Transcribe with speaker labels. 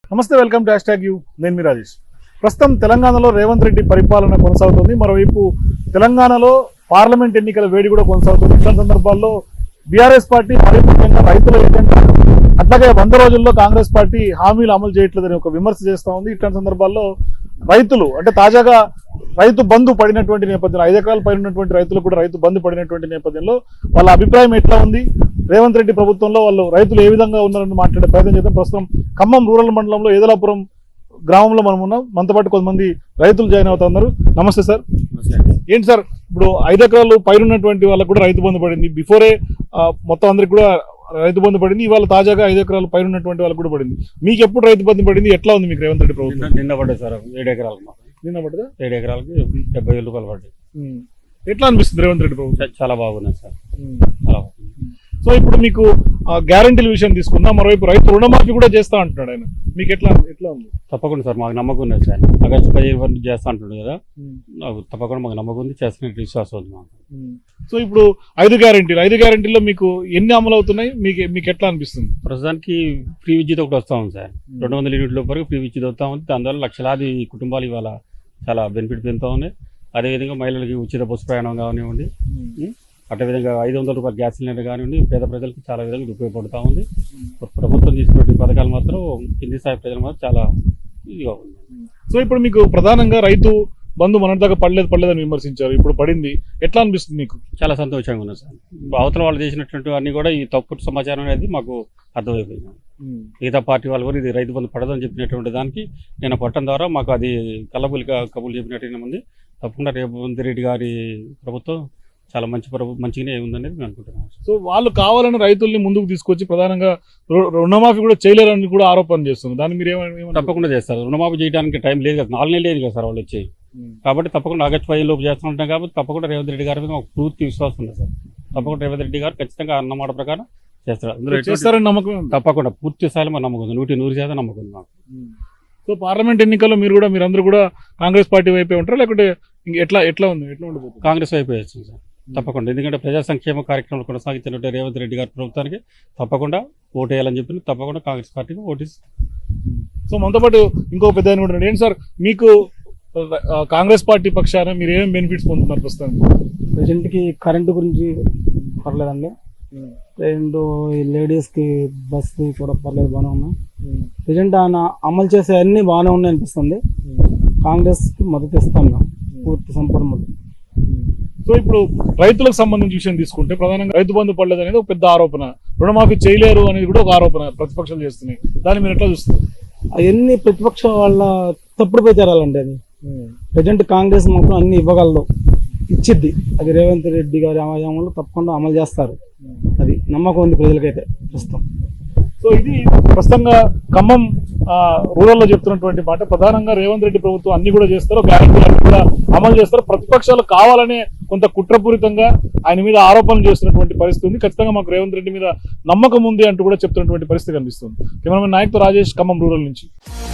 Speaker 1: నమస్తే, welcome to #you. నేను మీ రాజేష్. ప్రస్తుతం తెలంగాణలో రేవంత్ రెడ్డి పరిపాలన కొనసాగుతుంది. మరోవైపు తెలంగాణలో పార్లమెంట్ ఎన్నికల వేడి కూడా కొనసాగుతుంది. ఇట్లాంటి సందర్భాల్లో బీఆర్ఎస్ పార్టీ మరీ ముఖ్యంగా రైతుల ఏజెండా, అట్లాగే 100 రోజుల్లో కాంగ్రెస్ పార్టీ హామీలు అమలు చేయట్లేదని ఒక విమర్శ చేస్తూ ఉంది. ఇట్లాంటి సందర్భాల్లో రైతులు అంటే తాజాగా రైతు బంధు పడినటువంటి నేపథ్యంలో 5 ఎకరాల పైన ఉన్నటువంటి రైతులు కూడా రైతు బంధు పడినటువంటి నేపథ్యంలో వాళ్ళ అభిప్రాయం ఎట్లా ఉంది, రేవంత్ రెడ్డి ప్రభుత్వంలో వాళ్ళు రైతులు ఏ విధంగా ఉన్నారని మాట్లాడే ప్రయత్నం చేద్దాం. ప్రస్తుతం ఖమ్మం రూరల్ మండలంలో ఏదలాపురం గ్రామంలో మనం ఉన్నాం. మనతో పాటు కొంతమంది రైతులు జాయిన్ అవుతున్నారు. నమస్తే సార్. ఏంటి సార్, ఇప్పుడు 5 ఎకరాలు పైన ఉన్నటువంటి వాళ్ళకు కూడా రైతు బంధు పడింది. బిఫోరే మొత్తం అందరికి కూడా రైతు బంధు పడింది. ఇవాళ తాజాగా 5 ఎకరాలు పైన ఉన్నటువంటి వాళ్ళకు కూడా పడింది. మీకు ఎప్పుడు రైతు బంధు పడింది, ఎట్లా ఉంది మీకు రేవంత్ రెడ్డి ప్రభుత్వం?
Speaker 2: నిన్న పడ్డాయి సార్ 7 ఎకరాలకు.
Speaker 1: నిన్న పడ్డదా?
Speaker 2: 7 ఎకరాలకి 70,000 రూపాయలు పడ్డాయి.
Speaker 1: ఎట్లా అనిపిస్తుంది రేవంత్ రెడ్డి ప్రభుత్వం?
Speaker 2: చాలా బాగున్నాయి సార్, చాలా బాగుంది.
Speaker 1: సో ఇప్పుడు మీకు గ్యారంటీల విషయం తీసుకుందాం. మరోవైపు రైతు రుణమాఫీ కూడా చేస్తా అంటున్నాడు ఆయన. మీకు ఎట్లా ఉంది?
Speaker 2: తప్పకుండా సార్, మాకు నమ్మకం ఉంది సార్. ఆగస్టు 15 చేస్తా అంటున్నాడు కదా, నాకు తప్పకుండా మాకు నమ్మకం ఉంది, చేస్తున్నట్టు విశ్వాసం ఉంది మాకు.
Speaker 1: సో ఇప్పుడు 5 గ్యారంటీల్లో మీకు ఎన్ని అమలు అవుతున్నాయి, మీకు ఎట్లా అనిపిస్తుంది?
Speaker 2: ప్రస్తుతానికి ఫ్రీ విద్యుత్ ఒకటి వస్తా ఉంది సార్. 200 యూనిట్ల వరకు ఫ్రీ విద్యుత్ వస్తూ ఉంది. దానివల్ల లక్షలాది కుటుంబాలు ఇవాళ చాలా బెనిఫిట్ పొందుతూ ఉన్నాయి. అదేవిధంగా మహిళలకి ఉచిత బస్సు ప్రయాణం కానివ్వండి, అదేవిధంగా 500 రూపాయల గ్యాస్ సిలిండర్ కానివ్వండి, పేద ప్రజలకు చాలా విధంగా ఉపయోగపడుతూ ఉంది. ప్రభుత్వం తీసుకున్న పథకాలు మాత్రం కింది స్థాయి ప్రజలు మాత్రం చాలా ఇదిగా ఉంది.
Speaker 1: సో ఇప్పుడు మీకు ప్రధానంగా రైతు బంధు మొన్నటిదాకా పడలేదని విమర్శించారు, ఇప్పుడు పడింది. ఎట్లా అనిపిస్తుంది మీకు?
Speaker 2: చాలా సంతోషంగా ఉంది సార్. అవతల వాళ్ళు చేసినటువంటి అన్ని కూడా ఈ తప్పుడు సమాచారం అనేది మాకు అర్థమైపోయింది. మిగతా పార్టీ వాళ్ళు కూడా ఇది రైతు బంధు పడదని చెప్పినటువంటి దానికి నేను పట్టడం ద్వారా మాకు అది కళ్ళబులిగా కబులు చెప్పినట్టు ఉంది. తప్పకుండా రేవంత్ రెడ్డి గారి ప్రభుత్వం చాలా మంచిగానే ఉందనేది మేము అనుకుంటున్నాం.
Speaker 1: సో వాళ్ళు కావాలని రైతుల్ని ముందుకు తీసుకొచ్చి ప్రధానంగా రుణమాఫీ కూడా చేయలేరని కూడా ఆరోపణ చేస్తుంది. దాన్ని మీరు ఏమైనా?
Speaker 2: తప్పకుండా చేస్తారు. రుణమాఫీ చేయడానికి టైం లేదు కదా, 4 నెలలు లేదు కదా సార్ వాళ్ళు వచ్చి. కాబట్టి తప్పకుండా ఆగస్టు 15 లోపు చేస్తుంటాం. కాబట్టి తప్పకుండా రేవంత్ రెడ్డి గారి మీద మాకు పూర్తి విశ్వాసం ఉంది సార్. తప్పకుండా రేవంత్ రెడ్డి గారు ఖచ్చితంగా అన్నమాట ప్రకారం చేస్తారని నమ్మకం. తప్పకుండా పూర్తి స్థాయిలో మా నమ్మకం ఉంది, 100% నమ్మకం ఉంది మాకు.
Speaker 1: సో పార్లమెంట్ ఎన్నికల్లో మీరందరూ కూడా కాంగ్రెస్ పార్టీ వైపే ఉంటారా, లేకుంటే ఎట్లా ఉండబోతుంది?
Speaker 2: కాంగ్రెస్ వైపే వేస్తుంది సార్ తప్పకుండా. ఎందుకంటే ప్రజా సంక్షేమ కార్యక్రమాలు కొనసాగించినట్టు రేవంత్ రెడ్డి గారి ప్రభుత్వానికి తప్పకుండా ఓటు వేయాలని చెప్పి తప్పకుండా కాంగ్రెస్ పార్టీకి ఓటేసి.
Speaker 1: సో మనతో పాటు ఇంకో పెద్ద ఆయన కూడా ఏంటి సార్, మీకు కాంగ్రెస్ పార్టీ పక్షాన మీరు ఏమేమి బెనిఫిట్స్ పొందుతున్నారు ప్రస్తుతానికి?
Speaker 3: ప్రజెంట్కి కరెంటు గురించి పర్లేదండి. రెండు లేడీస్కి బస్సు కూడా పర్లేదు, బాగానే ఉన్నాయి. ప్రజెంట్ ఆయన అమలు చేసే అన్ని బాగానే ఉన్నాయి అనిపిస్తుంది. కాంగ్రెస్కి మద్దతు ఇస్తాం మేము, పూర్తి సంపూర్ణ మద్దతు.
Speaker 1: సో ఇప్పుడు రైతులకు సంబంధించిన విషయం తీసుకుంటే ప్రధానంగా రైతు బంధు పడలేదు అనేది ఒక పెద్ద ఆరోపణ, రుణమాఫీ చేయలేరు అనేది కూడా ఒక ఆరోపణ ప్రతిపక్షాలు చేస్తున్నాయి. దాన్ని మీరు ఎట్లా చూస్తారు?
Speaker 3: అవన్నీ ప్రతిపక్ష వాళ్ళ తప్పుడు ప్రచారాలండి. అది ప్రజెంట్ కాంగ్రెస్ మొత్తం అన్ని ఇవ్వగలదు, ఇచ్చిద్ది. అది రేవంత్ రెడ్డి గారి ఆయామంలో తప్పకుండా అమలు చేస్తారు. అది నమ్మకం ఉంది ప్రజలకైతే ప్రస్తుతం.
Speaker 1: సో ఇది ప్రస్తుతంగా ఖమ్మం రూరల్లో చెప్తున్నటువంటి మాట. ప్రధానంగా రేవంత్ రెడ్డి ప్రభుత్వం అన్ని కూడా చేస్తారు, గ్యారెంటీలు అన్ని కూడా అమలు చేస్తారు. ప్రతిపక్షాలు కావాలనే కొంత కుట్రపూరితంగా ఆయన మీద ఆరోపణలు చేస్తున్నటువంటి పరిస్థితి ఉంది. ఖచ్చితంగా మాకు రేవంత్ రెడ్డి మీద నమ్మకం ఉంది అంటూ కూడా చెప్తున్నటువంటి పరిస్థితి కనిపిస్తుంది. కెమెరామెన్ నాయక్తో రాజేష్, ఖమ్మం రూరల్ నుంచి.